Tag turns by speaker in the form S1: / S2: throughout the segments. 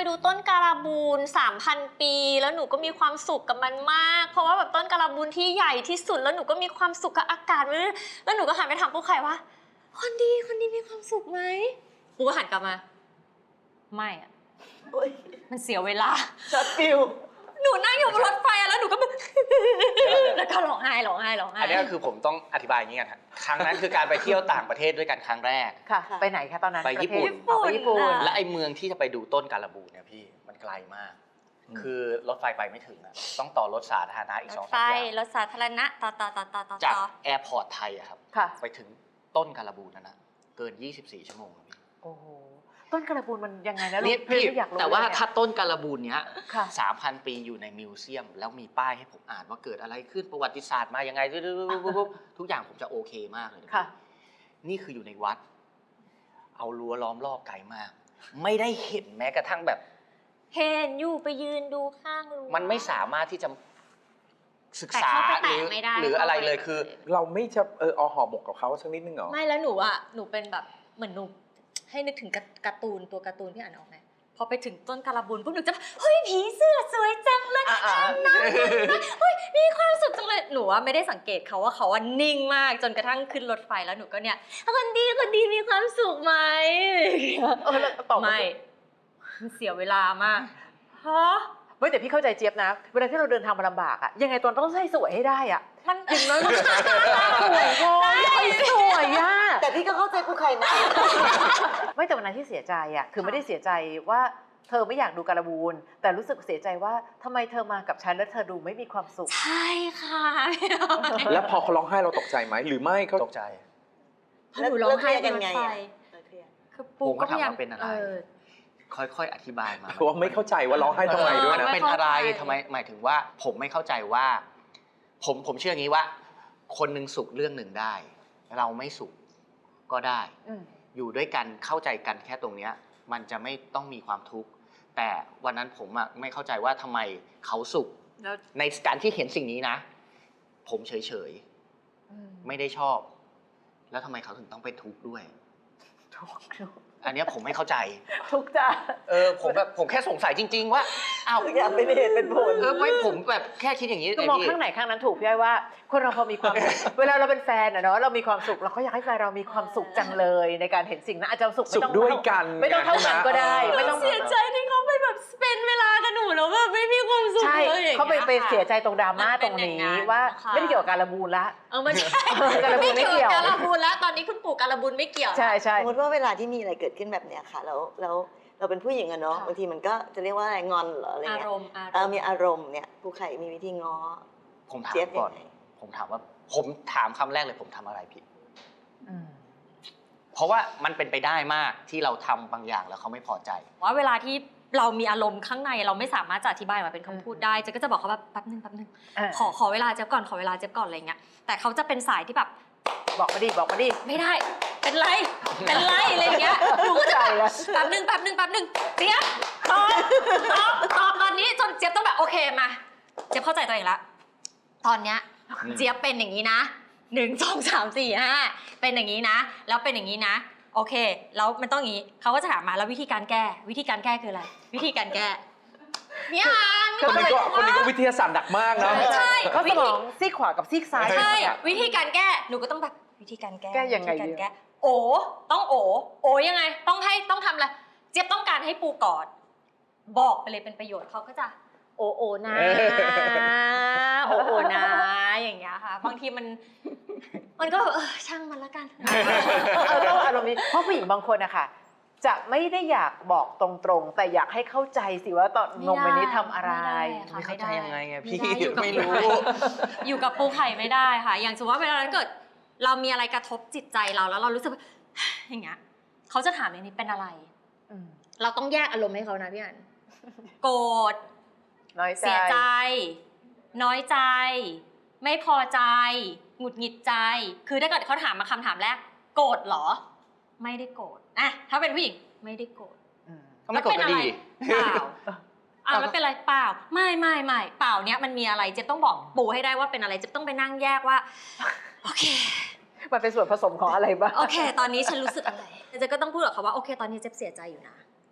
S1: ดูต้นการบูน 3,000 ปีแล้วหนูก็มีความสุขกับมันมากเพราะว่าแบบต้นการบูนที่ใหญ่ที่สุดแล้วหนูก็มีความสุขกับอากาศแล้วหนูก็หันไปถามปูไข่ว่าคนดีมีความสุขไหมปูก็หันกลับมาไม่อะมันเสียเวลา
S2: ช็อตฟิว
S1: หนูนั่งอยู่บนรถไฟแล้วหนูก็แบบแล้วก็ร้องไห้
S3: อันนี้ก็คือผมต้องอธิบายอย่างนี้กันครับครั้งนั้นคือการไปเที่ยวต่างประเทศด้วยกันครั้งแรก
S2: ค่ะไปไหนคะตอนนั้น
S3: ไปญี่ปุ่น
S2: ไปญี่ปุ่น
S3: และไอ้เมืองที่จะไปดูต้นการบูนเนี่ยพี่มันไกลมากคือรถไฟไปไม่ถึงอะต้องต่อรถสาธารณะอีก2-3อย่าง
S1: รถสาธารณะต่อ
S3: จากแอร์พอร์ตไทยอะครับไปถึงต้นการบูนนั่นนะเกิน24 ชั่วโมงพี่
S2: โอ้โหต้นการบูนมันยังไงนะ
S3: พี่แต่ว่าถ้าต้นการบูนเนี้ย3,000 ปีอยู่ในมิวเซียมแล้วมีป้ายให้ผมอ่านว่าเกิดอะไรขึ้นประวัติศาสตร์มายังไงทุกอย่างผมจะโอเคมากเลยนี่คืออยู่ในวัดเอารั้วล้อมรอบไกลมากไม่ได้เห็นแม้กระทั่งแบบ
S1: เห็นอยู่ไปยืนดูข้างรั้ว
S3: มันไม่สามารถที่จะศึกษาหรืออะไรเลยคือ
S4: เราไม่จะเอาห่อหมกกับเขาสักนิดนึงเหรอ
S1: ไม่แล้วหนูเป็นแบบเหมือนหนูให้นึกถึงการ์ตูนตัวการ์ตูนที่อ่านออกไหมพอไปถึงต้นการบูนปุ๊บหนูจะเฮ้ยผีเสื้อสวยจังเลยน้ำเฮ้ยมีความสุขจังเลยหนูว่าไม่ได้สังเกตเขาว่าเขานิ่งมากจนกระทั่งขึ้นรถไฟแล้วหนูก็เนี่ยคนดีมีความสุขไหมไม่มันเสียเวลามากฮะ
S2: ไม่แต่พี่เข้าใจเจี๊ยบนะเวลาที่เราเดินทางมาลำบากอะยังไงตอนต้องใส่สวยให้ได้อะ
S1: มัน
S2: อย่างน้อยมันสวยพอสวยอะ
S5: แต่พี่ก็เข้าใจปูไข่นะ
S2: ไม่แต่วันนั้นที่เสียใจอะคือไม่ได้เสียใจว่าเธอไม่อยากดูการบูนแต่รู้สึกเสียใจว่าทำไมเธอมากับฉันแล้วเธอดูไม่มีความสุข
S1: ใช่ค่ะ
S4: แล้วพอเขาร้องไห้เราตกใจไหมหรือไม่เขา
S3: ตกใจ
S1: หนูร้องไห้กันไง
S3: คือปูก็ถามว่าเป็นอะไรค่อยๆอธิบายมา
S4: เพราะว่าไม่เข้าใจว่าร้องไห้ทำไมด้วยนะ
S3: เป็นอะไรทำไมหมายถึงว่าผมไม่เข้าใจว่าผมเชื่ออย่างนี้ว่าคนหนึ่งสุขเรื่องหนึ่งได้เราไม่สุขก็ได้อยู่ด้วยกันเข้าใจกันแค่ตรงเนี้ยมันจะไม่ต้องมีความทุกข์แต่วันนั้นผมไม่เข้าใจว่าทำไมเขาสุขในการที่เห็นสิ่งนี้นะผมเฉยๆไม่ได้ชอบแล้วทำไมเขาถึงต้องเป็นทุกข์ด้วยอันนี้ผมไม่เข้าใจ
S2: ทุกจ้ะ
S3: ผมแค่สงสัยจริงๆว่าอ้าว
S5: อยากเป็นเหตุเป็นผล
S3: ไม่ผมแบบแค่คิดอย่างนี้
S2: ก็มองข้างไหนข้างนั้นถูกพี่อ้อยว่าคนเราพอมีความเวลาเราเป็นแฟนเนาะเรามีความสุขเราก็อยากให้แฟนเรามีความสุขจังเลยในการเห็นสิ่งนั้นอาจจะสุขไม่ต้อง
S4: ด้วยกัน
S2: ไม่ต้องเท่ากันก็ได้ไม่ต้อง
S1: เสียใจที่เขาไปแบบเป็นเวลากับหนูแล้วแบบไม่มีความสุขเลย
S2: เขาไปเสียใจตรงดราม่าตรงนี้ว่าไม่ได้เกี่ยวกับการบูนละ
S1: ไม่ใช่
S2: การบูนไม่เกี่ยว
S1: การบูนแล้วตอนนี้คุณปู่การบูนไม่เกี่ยว
S2: ใช่ใช่
S5: สมมติว่าเวลาที่มีอะไรเกิดขึ้นแบบเนี้ยค่ะแล้วเราเป็นผู้หญิงอะเนาะบางทีมันก็จะเรียกว่าอะไรงอนหรออะไรเงี้ยมีอารมณ์เนี่ยปูไข่มีวิธีง้อ
S3: ผมถามก่อนผมถามคำแรกเลยผมทำอะไรผิดเพราะว่ามันเป็นไปได้มากที่เราทำบางอย่างแล้วเขาไม่พอใจ
S1: ว่าเวลาที่เรามีอารมณ์ข้างในเราไม่สามารถจะอธิบายมาเป็นคำพูดได้เจ๊ก็จะบอกเขาแบบแป๊บนึงขอเวลาเจ๊ก่อนขอเวลาเจ๊ก่อนอะไรเงี้ยแต่เขาจะเป็นสายที่แบบ
S2: บอกมาดิ
S1: ไม่ได้เป็นไรอะไรเงี้ยหนูก็จะแป๊บนึงเจี๊ยบตอบตอนนี้จนเจี๊ยบต้องแบบโอเคมาเจี๊ยบเข้าใจตัวเองละตอนเนี้ยเจี๊ยบเป็นอย่างนี้นะ1 2 3 4 5เป็นอย่างนี้นะแล้วเป็นอย่างนี้นะโอเคแล้วมันต้องอย่างนี้เขาก็จะถามมาแล้ววิธีการแก้คืออะไรวิธีการแก้เนี่ย
S4: คนนี้ก็วิทยาศาสตร์หนักมากนะ
S1: ใช่
S2: เขาสมองซีกขวากับซีกซ้าย
S1: ใช่วิธีการแก้หนูก็ต้องแบบวิธีการแก้
S2: ยังไง
S1: ต้องยังไงต้องทำอะไรเจี๊ยบต้องการให้ปูกอดบอกไปเลยเป็นประโยชน์เขาก็จะโอนะนะอย่างเงี้ยค่ะบางทีมันก็ช่างมันละกัน
S2: ต้องอารมณ์นี้เพราะผู้หญิงบางคนอะค่ะจะไม่ได้อยากบอกตรงๆแต่อยากให้เข้าใจสิว่าตอนนมวันนี้ทำอะไร
S3: ไม่เข้าใจยังไงพี่ไม่รู้
S1: อยู่กับปูไข่ไม่ได้ค่ะอย่างสมมติว่าเวลาเกิดเรามีอะไรกระทบจิตใจเราแล้วเรารู้สึกอย่างเงี้ยเขาจะถามอย่างนี้เป็นอะไรเราต้องแยกอารมณ์ให้เขานะพี่อันโกรธเสียใจน้อยใจไม่พอใจหงุดหงิดใจคือถ้าเกิดเขาถามมาคำถามแรกโกรธเหรอไม่ได้โกรธอะถ้าเป็นผู้หญิงไม่ได้โกรธ
S3: ไม่โกรธก็ดี
S1: เปล่าแล้วเป็นอะไรเปล่าไม่เปล่าเนี้ยมันมีอะไรเจ๊ต้องบอกปูให้ได้ว่าเป็นอะไรเจ๊ต้องไปนั่งแยกว่าโอเค
S2: มันเป็นส่วนผสมของอะไรบ้าง
S1: โอเคตอนนี้ฉันรู้สึกอะไรเจ๊ก็ต้องพูดกับเขาว่าโอเคตอนนี้เจ๊เสียใจอยู่นะเจ๊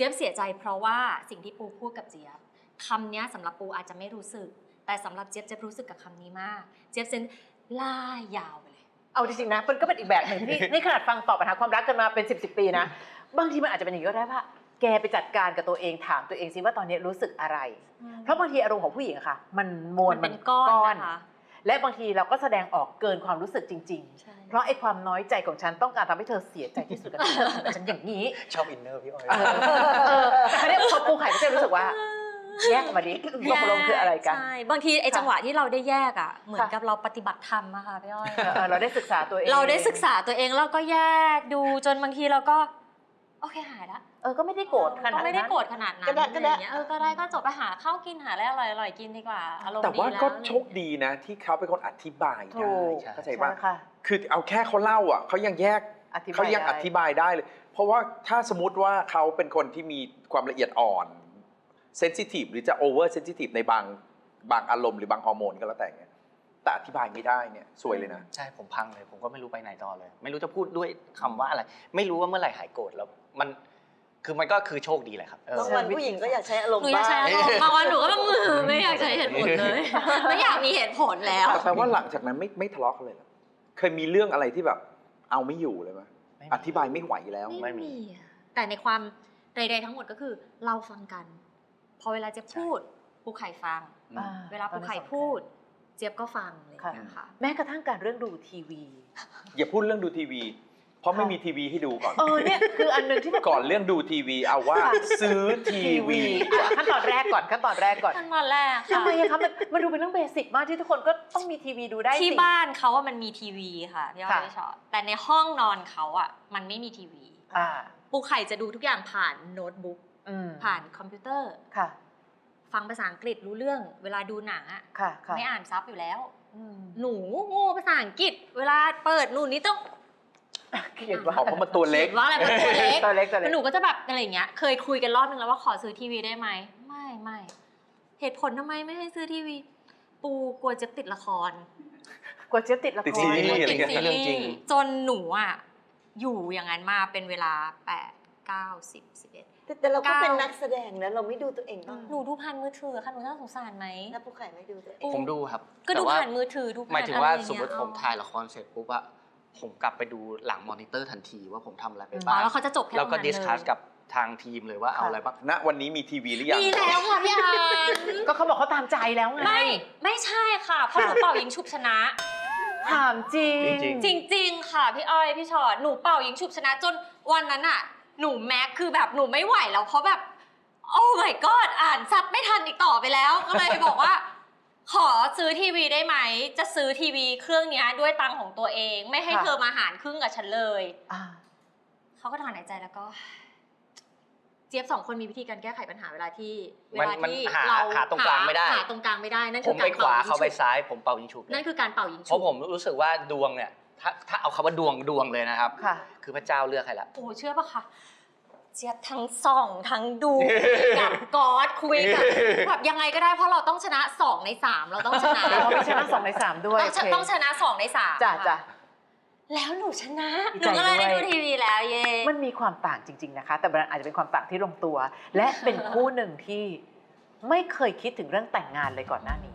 S1: จี๊ยบเสียใจเพราะว่าสิ่งที่ปูพูดกับเจี๊ยบคำเนี้ยสำหรับปูอาจจะไม่รู้สึกแต่สำหรับเจี๊ยบรู้สึกกับคำนี้มากเจี๊ยบเซนล่ายาวไปเลย
S2: เอาจริงๆนะมันก็เป็นอีกแบบหนึ่งที่ นี่ขนาดฟังตอบปัญหาความรักกันมาเป็น10 ปีนะบางทีมันอาจจะเป็นอย่างนี้ก็ได้ว่าแกไปจัดการกับตัวเองถามตัวเองสิว่าตอนนี้รู้สึกอะไร เพราะบางทีอารมณ์ของผู้หญิงอะค่ะมันมวล
S1: มันเป็นก้อนนะคะ
S2: และบางทีเราก็แสดงออกเกินความรู้สึกจริง
S1: ใช่
S2: ๆ เพราะไอ้ความน้อยใจของฉันต้องการทำให้เธอเสียใจที่สุดกับฉันอย่างนี้
S3: ชอบอินเนอร์พี่อ้อย
S2: แต่เนี่ยพอปูไข่ก็จะรู้สึกว่าแยกมาดิตกลงคืออะไรกัน
S1: ใช่บางทีไอ้
S2: ค่ะ
S1: จังหวะที่เราได้แยกอ่ะเหมือน
S2: ค่ะ
S1: กับเราปฏิบัติธรรมอะค่ะพี่อ้อย
S2: เราได้ศึกษาตัวเอง
S1: เราได้ศึกษาตัวเองแล้วก็แยกดูจนบางทีเราก็โอเคหายละ
S2: ก็ไม่ได้โกรธขนาดนั้น
S1: ก็ไม่ได้โกรธขนาดนั้น
S5: ก็ได้
S1: อะไรอย่างเงี้ยก็ได้ก็จบไปหาข้าวกินหาอะไรอร่อยๆกินดีกว่าอารมณ์ดี
S4: แต่ว่า
S1: แล้ว
S4: ก็โชคดีนะที่เขาเป็นคนอธิบาย
S2: ถู
S4: ได้
S2: ก
S4: เข้าใจ
S2: ใช่
S4: ป่ะ
S2: ค่ะ
S4: คือเอาแค่เขาเล่าอ่ะเขายังแยก
S2: อธิบาย
S4: เขายัง
S2: ได้
S4: อธิบายได้เลย เพราะว่าถ้าสมมติว่าเขาเป็นคนที่มีความละเอียดอ่อนเซนซิทีฟหรือจะโอเวอร์เซนซิทีฟในบางอารมณ์หรือบางฮอร์โมนก็แล้วแต่เนี่ยแต่อธิบายไม่ได้เนี่ยซวยเลยนะ
S3: ใช่ผมพังเลยผมก็ไม่รู้ไปไหนต่อเลย ไม่รู้จะพูดด้วยคำว่าอะไร ไม่รู้ว่าเมื่อไหร่หายโกรธแล้วมันก็คือโชคดีแหละครับ
S5: บางวันผู้หญิงก็อยากใช้อารม
S1: หนู
S5: ณ์
S1: อยาก
S5: บ้าง
S1: ใช้อารมณ์บางวันหนูก็ต้องไม่อยากใช้เหตุผลเลย ไม่อยากมีเหตุผลแล้ว
S4: แปลว่าหลังจากนั้นไม่ทะเลาะกันเลยเหรอเคยมีเรื่องอะไรที่แบบเอาไม่อยู่เลยไหม
S3: ไม่มี
S4: อธิบายไม่ไหวแล้ว
S3: ไม่มี
S1: อะแต่ในความใดๆทั้งหมดก็คือเราฟังกัน พอเวลาเจี๊ยบพูดปูไข่ฟัง
S2: อ่
S1: เวลาปูไข่พูด เจี๊ยบก็ฟังอะไรอย่าง
S2: ค่ะ
S1: เงี้ยค่ะ
S2: แม้กระทั่งการเรื่องดูทีวี
S4: อย่าพูดเรื่องดูทีวี เพราะไม่มีทีวีให้ดูก่อน
S2: เนี่ยคืออันหนึงที่แบบ
S4: ก่อนเรื่องดูทีวีเอาว่าซื้อทีวี
S2: ขั้นตอนแรกก่อน
S1: ขั้นตอนแรก
S2: ทำ
S1: ค่ะ
S2: ไมอะคะมันดูเป็นเรื่องเบสิกมากที่ทุกคนก็ต้องมีทีวีดูได้สิ
S1: ที่บ้านเขาว่ามันมีทีวีค่ะพี่อ้อย
S2: ค่ะ
S1: พี่ชอตแต่ในห้องนอนเขาอ่ะมันไม่มีทีวี
S2: อ่า
S1: ปูไข่จะดูทุกอย่างผ่านโน้ตบุ๊ก ผ่านคอมพิวเตอร์
S2: ค่ะ
S1: ฟังภาษาอังกฤษรู้เรื่อง เวลาดูหนังอะ
S2: ค่ะค่ะ
S1: ไม่อ่านซับอยู่แล้ว
S2: อืม
S1: หนูโง่ภาษาอังกฤษ เวลาเปิดหนูนี่ต้อง
S2: เขียนว่า
S4: เพราะมันตัวเล็ก
S1: ขียนว่าอะไรมันตัวเล็ก
S2: ตัวเล็ก
S1: แล้วหนูก็จะแบบอะไรอย่างเงี้ย เคยคุยกันรอบนึงแล้วว่าขอซื้อทีวีได้ไหม ไม่เหตุผลทำไมไม่ให้ซื้อทีวี ปูกลัวเจะติดละคร
S2: กลัวเจี๊ยบติดละค
S4: ติด
S2: ร
S4: ซีรีส์
S1: ติดซี
S3: เรื่
S1: รี
S3: องจริง
S1: ส์จนหนูอ่ะอยู่อย่างนั้นมาเป็นเวลา8 9 10 11
S5: แต่เราก็เป็น
S1: 9
S5: นักแสดงนะเราไม่ดูตัวเองบ้าง
S1: หนูดูผ่านมือถือค่ะหนูน่าสงสารไหม
S5: แล้วผู้ไข่ไม่ดูตัวเอง
S3: ผมดูครับ
S1: ก็ดู
S3: แต่ว่
S1: ผ่านมือถือดูผ่าน
S3: หมายถึงว่า
S1: อะไรอย่
S3: สมมติ
S1: เงี้
S3: ผมถ่ายละครเสร็จปุ๊บอะผมกลับไปดูหลังมอนิเตอร์ทันทีว่าผมทำอะไรไป
S1: อ๋
S3: บ้า
S1: อง แล้วเขาจะจบแค่ต
S3: แล้ว
S1: รง
S3: ก็
S1: นั้น
S3: ดิส
S1: เล
S3: คัส
S1: ย
S3: กับทางทีมเลยว่าเอาอะไรบ้าง
S4: ณวันนี้มีทีวีหรือยัง
S1: มีแล้วค่ะพี่อัน
S2: ก็เขาบอกเขาตามใจแล้วไง
S1: ไม่ใช่ค่ะเพราะหนูเป่ายิงฉุบชนะ
S2: ถามจริง
S3: จริง
S1: จริง ๆ ค่ะพี่อ้อยพี่ชอตหนูเป่ายิงฉุบชนะจนวันนั้นอ่ะ หนูแม็กคือแบบหนูไม่ไหวแล้วเพราะแบบโอ้ my god อ่านซับไม่ทันอีกต่อไปแล้ว ก็เลยบอกว่า ขอซื้อทีวีได้ไหมจะซื้อทีวีเครื่องเนี้ยด้วยตังค์ของตัวเอง ไม่ให้
S2: ค่ะ
S1: เธอมาหารครึ่งกับฉันเลย
S2: อ่า
S1: เขาก็ถอนหายใจแล้วก็ เจี๊ยบ2 คนมีวิธีการแก้ไขปัญหาเวลาที่
S3: มันหา
S1: เรา
S3: หาตรงกลางไม่ได้
S1: หาตรงกลางไม่ได้นั่น
S3: ผ
S1: คื
S3: ม
S1: อ
S3: ไป
S1: การ
S3: ขวา
S1: เป่ายิง
S3: เขาไป
S1: ฉุบ
S3: ซ้ายผมเป่ายิงฉุบเลย
S1: นั่นคือการเป่ายิง
S3: เพ
S1: ฉุบ
S3: ราะผมรู้สึกว่าดวงเนี่ยถ้าเอาคำว่าดวงเลยนะครับ
S2: ค่ะ
S3: คือพระเจ้าเลือกให้ละ
S1: โอ้เชื่อปะคะเจี๊ยบทั้งส่องทั้งดู กับกอดคุยกับแบบยังไงก็ได้เพราะเราต้องชนะ2 ใน 3เราต้องชนะ
S2: เราไม่ชนะ2 ใน 3 ด้วย
S1: ต้องชนะ2 ใน 3
S2: จ้ะจ้ะ
S1: แล้วหนูชนะ
S2: ดี
S1: หนู
S2: ใจ
S1: ก็เลยได้
S2: ด้
S1: ดู
S2: วย
S1: ทีวีแล้วเย่
S2: มันมีความต่างจริง ๆนะคะ แต่มันอาจจะเป็นความต่างที่ลงตัว และเป็นคู่หนึ่งที่ไม่เคยคิดถึงเรื่องแต่งงานเลยก่อนหน้านี้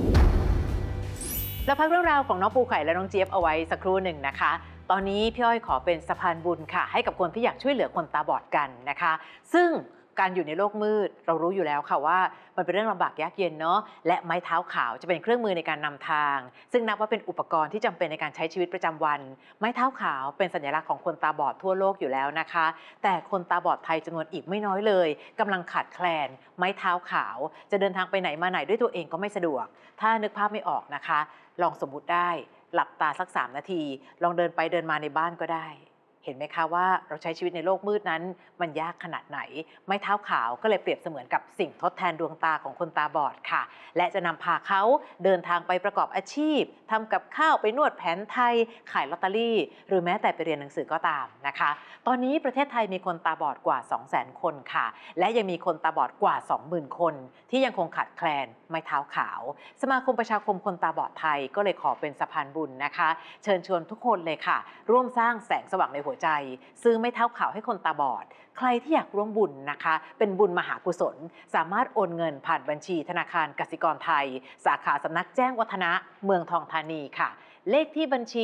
S2: แล้วพักเรื่องราวของน้องปูไข่และน้องเจี๊ยบเอาไว้สักครู่หนึ่งนะคะ ตอนนี้พี่อ้อยขอเป็นสะพานบุญค่ะ ให้กับคนที่อยากช่วยเหลือคนตาบอดกันนะคะ ซึ่งการอยู่ในโลกมืดเรารู้อยู่แล้วค่ะว่ามันเป็นเรื่องลำบากยากเย็นเนาะและไม้เท้าขาวจะเป็นเครื่องมือในการนำทาง ซึ่งนับว่าเป็นอุปกรณ์ที่จำเป็นในการใช้ชีวิตประจำวัน ไม้เท้าขาวเป็นสัญลักษณ์ของคนตาบอดทั่วโลกอยู่แล้วนะคะ แต่คนตาบอดไทยจำนวนอีกไม่น้อยเลยกำลังขาดแคลน ไม้เท้าขาวจะเดินทางไปไหนมาไหนด้วยตัวเองก็ไม่สะดวก ถ้านึกภาพไม่ออกนะคะ ลองสมมุติได้หลับตาสัก3 นาที ลองเดินไปเดินมาในบ้านก็ได้ เห็นไหมคะว่าเราใช้ชีวิตในโลกมืดนั้นมันยากขนาดไหน ไม้เท้าขาวก็เลยเปรียบเสมือนกับสิ่งทดแทนดวงตาของคนตาบอดค่ะ และจะนำพาเขาเดินทางไปประกอบอาชีพทำกับข้าวไปนวดแผนไทย ขายลอตเตอรี่ หรือแม้แต่ไปเรียนหนังสือก็ตามนะคะ ตอนนี้ประเทศไทยมีคนตาบอดกว่า 200,000 คนค่ะ และยังมีคนตาบอดกว่า 20,000 คนที่ยังคงขาดแคลนไม้เท้าขาว สมาคมประชาคมคนตาบอดไทยก็เลยขอเป็นสะพานบุญนะคะ เชิญชวนทุกคนเลยค่ะ ร่วมสร้างแสงสว่างในหัววใจ ซื้อไม้เท้าขาวให้คนตาบอดใครที่อยากร่วมบุญนะคะเป็นบุญมหากุศลสามารถโอนเงินผ่านบัญชีธนาคารกสิกรไทยสาขาสำนักแจ้งวัฒนะเมืองทองธานีค่ะเลขที่บัญชี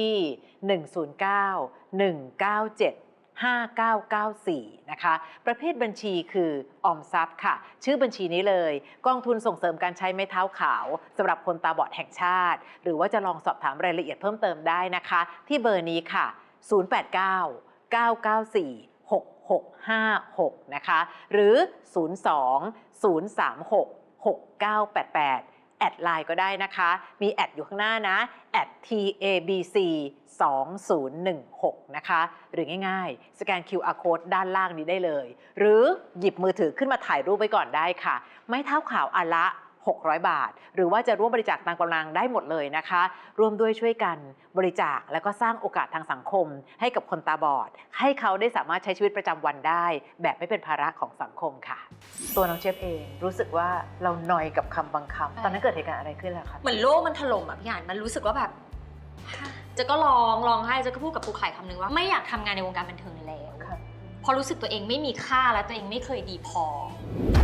S2: 109-197-5994 นะคะประเภทบัญชีคือออมทรัพย์ค่ะชื่อบัญชีนี้เลยกองทุนส่งเสริมการใช้ไม้เท้าขาวสำหรับคนตาบอดแห่งชาติหรือว่าจะลองสอบถามรายละเอียดเพิ่มเติมได้นะคะที่เบอร์นี้ค่ะ 089-994-6656 นะคะหรือ 02-036-6988 แอดไลน์ก็ได้นะคะมีแอดอยู่ข้างหน้านะแอด TABC 2016นะคะหรือง่ายๆสแกน QR Code ด้านล่างนี้ได้เลยหรือหยิบมือถือขึ้นมาถ่ายรูปไว้ก่อนได้ค่ะไม้เท้าขาวอันละ600 บาทหรือว่าจะร่วมบริจาคตามกำลังได้หมดเลยนะคะร่วมด้วยช่วยกันบริจาคแล้วก็สร้างโอกาสทางสังคมให้กับคนตาบอดให้เขาได้สามารถใช้ชีวิตประจำวันได้แบบไม่เป็นภาระของสังคมค่ะตัวน้องเจฟเองรู้สึกว่าเรานอยกับคำบางคำตอนนั้นเกิดเหตุการณ์อะไรขึ้นล่ะคะ
S1: เหมือนโลกมันถล่มอ่ะพี่อ่านมันรู้สึกว่าแบบเจะก็ร้องไห้เจะก็พูดกับปูไข่คำนึงว่าไม่อยากทำงานในวงการบันเทิงแล้วเพราะรู้สึกตัวเองไม่มีค่าและตัวเองไม่เคยดีพอ